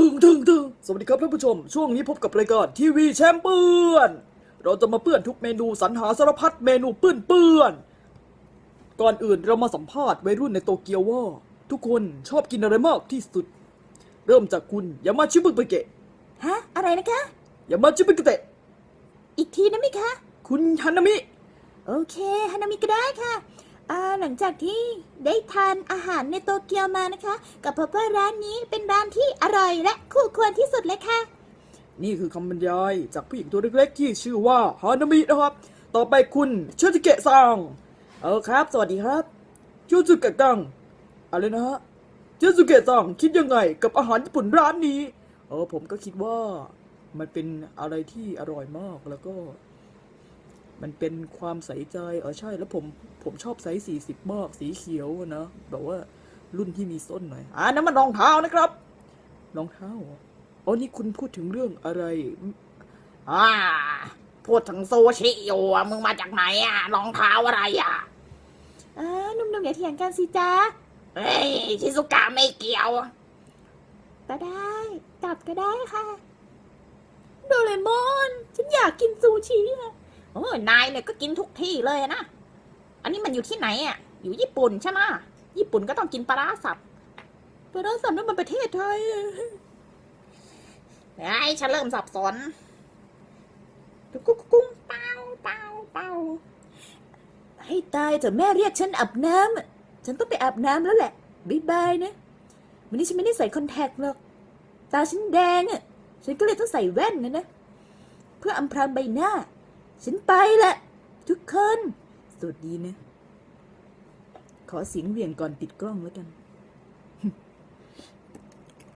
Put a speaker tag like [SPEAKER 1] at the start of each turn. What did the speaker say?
[SPEAKER 1] ถึงสวัสดีครับท่านผู้ชมช่วงนี้พบกับรายการทีวีแชมเปี้ยนเราจะมาเปื้อนทุกเมนูสรรหาสารพัดเมนูเปื้อนก่อนอื่นเรามาสัมภาษณ์วัยรุ่นในโตเกียวว่าทุกคนชอบกินอะไรมากที่สุดเริ่มจากคุณยามาชิบุเกะ
[SPEAKER 2] ฮะอะไรนะคะ
[SPEAKER 1] ยามาชิบุเกะ
[SPEAKER 2] อีกทีนะมิคะ
[SPEAKER 1] คุณฮานามิ
[SPEAKER 2] โอเคฮานามิก็ได้ค่ะหลังจากที่ได้ทานอาหารในโตเกียวมานะคะกับพบว่าร้านนี้เป็นร้านที่อร่อยและคู่ควรที่สุดเลยค่ะ
[SPEAKER 1] นี่คือคำบรรยายจากผู้หญิงตัวเล็กๆที่ชื่อว่าฮานามินะครับต่อไปคุณเชจิเกะซังครับสวัสดีครับเชจิเกะซังอะไรนะฮะเชจิเกะซังคิดยังไงกับอาหารญี่ปุ่นร้านนี้ผมก็คิดว่ามันเป็นอะไรที่อร่อยมากแล้วก็มันเป็นความใส่ใจใช่แล้วผมชอบไซส์40มากสีเขียวนะแบบว่ารุ่นที่มีส้นหน่อยนั่นมันรองเท้านะครับรองเท้านี่คุณพูดถึงเรื่องอะไร
[SPEAKER 3] พูดถึงซูชิอยู่มึงมาจากไหนรองเท้าอะไร
[SPEAKER 2] หนุ่มๆอย่าเถียงกันสิจ๊ะ
[SPEAKER 3] เฮ้ยชิซุกะไม่เกี่ยว
[SPEAKER 2] ก็ได้กลับก็ได้ค่ะโดเรมอนฉันอยากกินซูชิ
[SPEAKER 3] โอ้ยนายเนี่ยก็กินทุกที่เลยนะอันนี้มันอยู่ที่ไหนอยู่ญี่ปุ่นใช่ไหมญี่ปุ่นก็ต้องกินปลาร้าสับ
[SPEAKER 2] ปลาร้าสับนั่นมันประเทศไทย
[SPEAKER 3] ไอ้ฉันเริ่มสับสนกุ้งเปา
[SPEAKER 2] ให้ตายเถอะแม่เรียกฉันอาบน้ำฉันต้องไปอาบน้ำแล้วแหละบ๊ายบายนะวันนี้ฉันไม่ได้ใส่คอนแทคหรอกตาฉันแดงฉันก็เลยต้องใส่แว่นนะเพื่ออำพรางใบหน้าฉันไปละทุกคนสวัสดีนะขอเสียงเหวี่ยงก่อนปิดกล้องแล้วกัน